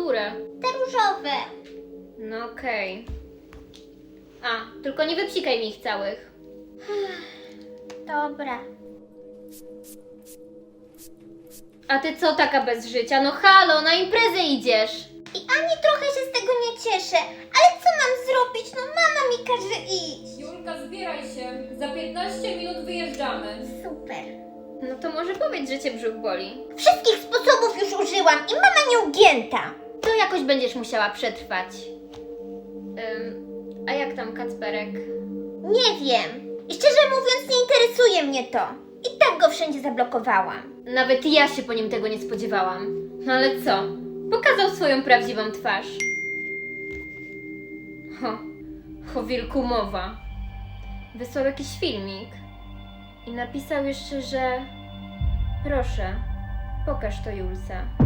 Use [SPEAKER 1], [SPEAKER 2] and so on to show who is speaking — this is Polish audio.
[SPEAKER 1] Które?
[SPEAKER 2] Te różowe.
[SPEAKER 1] No okej. A, tylko nie wypsikaj mi ich całych.
[SPEAKER 2] Dobra.
[SPEAKER 1] A ty co taka bez życia? No halo, na imprezę idziesz!
[SPEAKER 2] I ani trochę się z tego nie cieszę. Ale co mam zrobić? No mama mi każe iść.
[SPEAKER 3] Julka, zbieraj się. Za 15 minut wyjeżdżamy.
[SPEAKER 2] Super.
[SPEAKER 1] No to może powiedz, że cię brzuch boli.
[SPEAKER 2] Wszystkich sposobów już użyłam i mama nieugięta.
[SPEAKER 1] To jakoś będziesz musiała przetrwać. A jak tam Kacperek?
[SPEAKER 2] Nie wiem. I szczerze mówiąc nie interesuje mnie to. I tak go wszędzie zablokowałam.
[SPEAKER 1] Nawet ja się po nim tego nie spodziewałam. No ale co? Pokazał swoją prawdziwą twarz. O wilku mowa. Wysłał jakiś filmik. I napisał jeszcze, że proszę, pokaż to Julce.